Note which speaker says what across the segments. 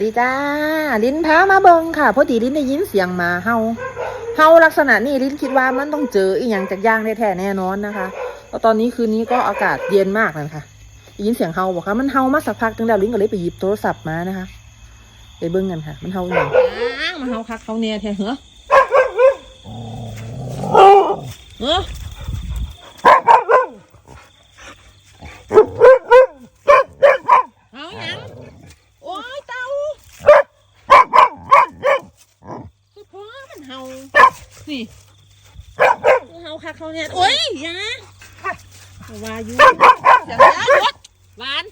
Speaker 1: ดีจ้าลิ้นพามาเบิงค่ะพอดีลิ้นได้ยินเสียงหมาเห่าลักษณะนี้ลิ้นคิดว่ามันต้องเจออีกอย่างจากย่างแท้ๆแน่นอนนะคะแล้วตอนนี้คืนนี้ก็อากาศเย็นมากเลยค่ะได้ยินเสียงเห่าบอกค่ะมันเห่ามาสักพักนึงแล้วลิ้นก็เลยไปหยิบโทรศัพท์มานะคะไปเบิ้งกันค่ะมันเห่าอย่างมันเห่าคักเขาเนี่ยแท้เหรอเอาอย่างโอ้ยเต่าคือพ่อมันเห่านี่เห่าคักเขาเนี่ยโอ้ยอย่าวาอยู่อย่างนี้รถหวาน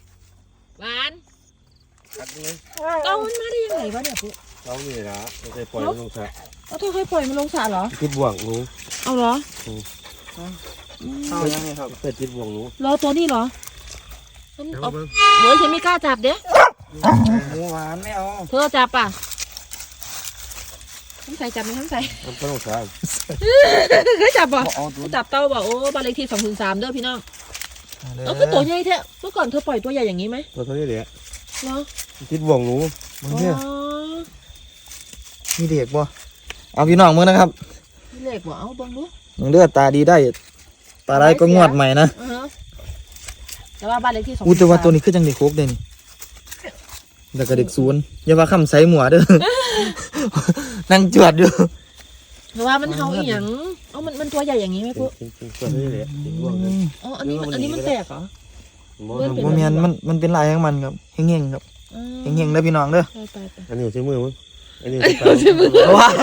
Speaker 1: เต่ามันมาได้ยังไงวะเนี่ยปุ๊
Speaker 2: เต่านี่นะไม่เคยปล่อยมันลงสระ
Speaker 1: เอาเธอเคยปล่อยมันลงสระเหรอ
Speaker 2: ติดบ่วงหนู
Speaker 1: เอาเหรอ
Speaker 2: เอายังไงครับเปิดติดบ่วงหนู
Speaker 1: รอตัวนี้เหรอมันเอาเฮ้ยฉันไม่กล้าจับเด้
Speaker 2: หมูหวานไม่เอา
Speaker 1: เธอจับป่ะทำใส่จับไหมทำใส่
Speaker 2: มันลงสระ
Speaker 1: เคยจับป่ะจับเต่าป่ะโอ้บ้านเลขที่203เด้อพี่น้องเอาคือตัวใหญ่แท้เมื่อก่อนเธอปล่อยตัวใหญ่อย่างนี้ไหม
Speaker 2: ตัวนี้เลย
Speaker 1: เหรอ
Speaker 2: ติดบ่วงหนู
Speaker 3: มึงเนี่ยมีเด็กบ่เอาพี่น้องมึงนะครับ
Speaker 1: มีเด็กบ่เอาบังดู
Speaker 3: มึงเลือดตาดีได้ตาได้ก็งวดใหม่นะ
Speaker 1: แต่ว่าบ้านเลขที่
Speaker 3: แต่ว่าตัวนี้คือจังเด็กโคกเด่นแต่ก็เด็กศูนย์อย่าว่าคำใส่หมวเด้อนั่งจวดอยู่
Speaker 1: แต่ว่ามันเห่าอีหยังเอามันตัวใหญ่อย่างนี้ไหมปุ๊
Speaker 2: ตัวนี้เลยติดบ่วง
Speaker 1: อ๋ออันนี้มันแตกเหรอ
Speaker 3: โมเมนมันเป็นลายของมันครับเฮงๆครับเฮงๆเด้อพี่น้องเด้อ
Speaker 2: อันนี้ชื่อมือมั้งอันนี้
Speaker 1: ชื่อมือ
Speaker 3: ว้า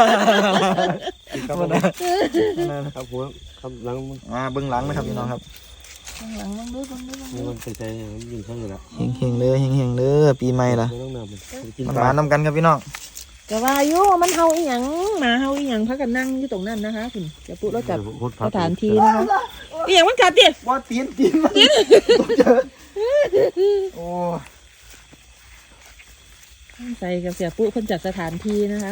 Speaker 2: ครับหัวครับหลัง
Speaker 3: เบื้องหลังนะครับพี่น้องครับ
Speaker 1: หลังดู
Speaker 2: มันใส่ยิงเข้าอยู่แล้ว
Speaker 3: เฮงๆเลยเฮงๆเลยปีใหม่ละมันมานำกันครับพี่น้อง
Speaker 1: แต่ว่าโย่มันเห่าอีหยังหมาเห่าอีหยังพักกันนั่งอยู่ตรงนั้นนะคะคุณจะปุ๊เราจัดสถานที่นะคะอีหยังมันกัดดิ
Speaker 3: ว่าตีนมันโอ้
Speaker 1: ใส่กับเสียปุ๊คนจัดสถานที่นะคะ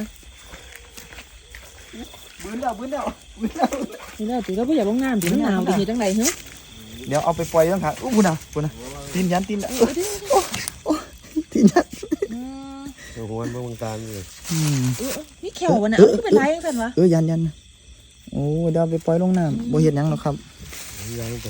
Speaker 3: บื้นแล้ว
Speaker 1: นี่แล้วตีก็ไม่อยากลงน้ำตีมันหนาวตีเหตุจังไรเฮ้ย
Speaker 3: เดี๋ยวเอาไปปล่อยต้องค่ะบุญนะตีนยันตีนตีนยัน
Speaker 2: หัวมันบางตาเลย
Speaker 1: นี่เขียววะเนี่ยก็เป็นไรยังไงวะ
Speaker 3: ยันโอ้เดี๋ยวไปปล่อยลงน้ำบ่เห็นยังหรอกครับ
Speaker 2: ยันไป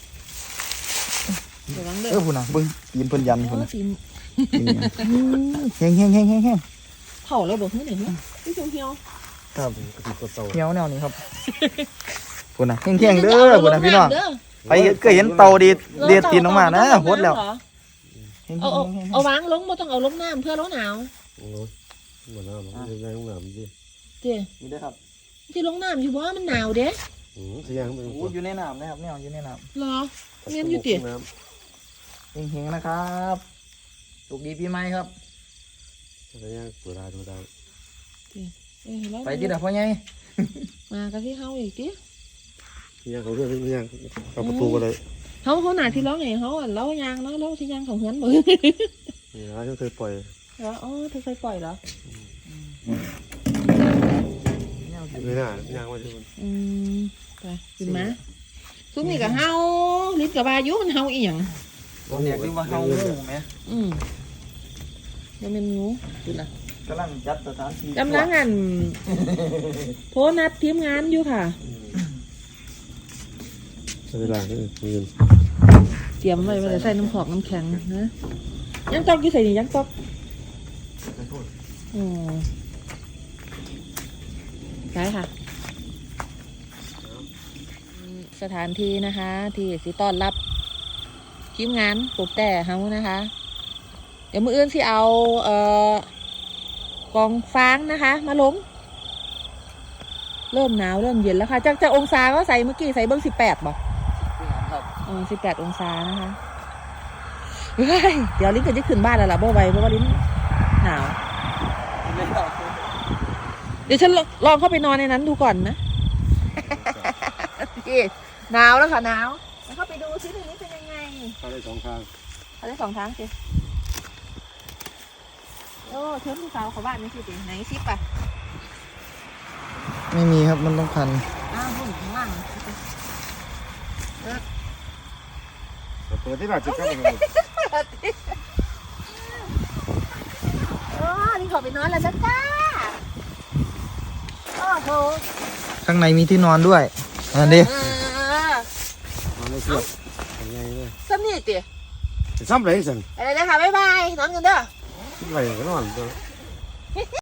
Speaker 3: บุญนะบึ้งตีนเพิ่นยันบุญนะแห้ง
Speaker 1: เผาแล้วบอกเฮ้ยเนี่ยพี่ชมเหี่ยว
Speaker 3: ครับเหี่ยวแนวนี้ครับบุญนะแห้งเด้อบุญนะพี่น้องไปก็เห็นเตาดีเด็ดตีนออกมานะโหดแล้ว
Speaker 1: เอาวางลงไม่ต้องเอาลงน้ำเพื่อร้อนหนาว
Speaker 2: หมดแล้วได้ลงน้ำดิ
Speaker 1: เจ๊
Speaker 3: นี่ได้ครับ
Speaker 1: ที่ลงน้ำอยู่ว่ามันหนาวเด้
Speaker 2: เสียงมัน
Speaker 3: อยู่ในน้ำนะครับเนี่ยอยู่ในน้
Speaker 1: ำเหรอเงี้ยอยู่เจ๊
Speaker 3: เฮงนะครับสุขดีปีใหม่ครับ
Speaker 2: เสียงตัวได้
Speaker 3: ไปที่ไหนพ่อไง
Speaker 1: มากันที่เฮาอีกที
Speaker 2: ยังเขาเรื่องยังเข้าประตูกันเลย
Speaker 1: เขาหนาที่ร้องไงเขาเล่ายางเนาะเล่าที่ยางของเฮือนมือ
Speaker 2: นี่นะที่เคยปล่อย
Speaker 1: เหรออ๋อเธอเคยปล่อยเหรอ
Speaker 2: ไม่น่ายางมาที่มัน
Speaker 1: ไปกินมาซุ้มนี่กับเฮาลิ้นกับบายุมันเฮาอีหยัง
Speaker 3: เนี่ยคือว่าเฮางูไหม
Speaker 1: ยังเป็นงูดูนะ
Speaker 3: กำลังจัดสถานที่
Speaker 1: กำลังงานโพนัดทีมงานอยู่ค่ะ
Speaker 2: เวลาเงิน
Speaker 1: เตรียมไว้ว่าจะใส่น้ำหอมน้ำแข็งนะยังตอกยี่ใส่นี่ยังตอกใช่ค่ะสถานที่นะคะที่สิต้อนรับทีมงานปลูกแต่เฮานะคะเดี๋ยวมื้ออื่นสิเอากองฟางนะคะมาลงเริ่มหนาวเริ่มเย็นแล้วค่ะจากองศาก็ใส่เมื่อกี้ใส่เบิ้ง18บ่18 องศานะคะเดี๋ยวลิ้นก็จะขึ้นบ้านแล้วล่ะบ่ไหวเพราะว่าลิ้นหนาวเดี๋ยวฉันลองเข้าไปนอนในนั้นดูก่อนนะหนาวแล้วค่ะหนาวแล้วเข้าไปดูซิในนี้เป็นยังไง
Speaker 2: เข้าได้2 ทาง
Speaker 1: สิโอ้เชิญผู้สาวเขาบ้านนี่สิไหนซิปอ่ะ
Speaker 3: ไม่มีครับมันต้องพัน
Speaker 1: หุ่นข้างล่าง
Speaker 2: เปิดที่ไหนจุดก็เป็น
Speaker 1: อไปนอนแล้วจ้าโอ้โห
Speaker 3: ข้างในมีที่นอนด้วยอันนี้
Speaker 2: นอนไม่เชื่อยังไงเนี่ย
Speaker 1: ซ้ำนี่ติ
Speaker 2: ซ้ำไรสั่ง
Speaker 1: อะไรเลยค่ะบ๊ายบายนอนกันเด้อ
Speaker 2: ไรก็นอน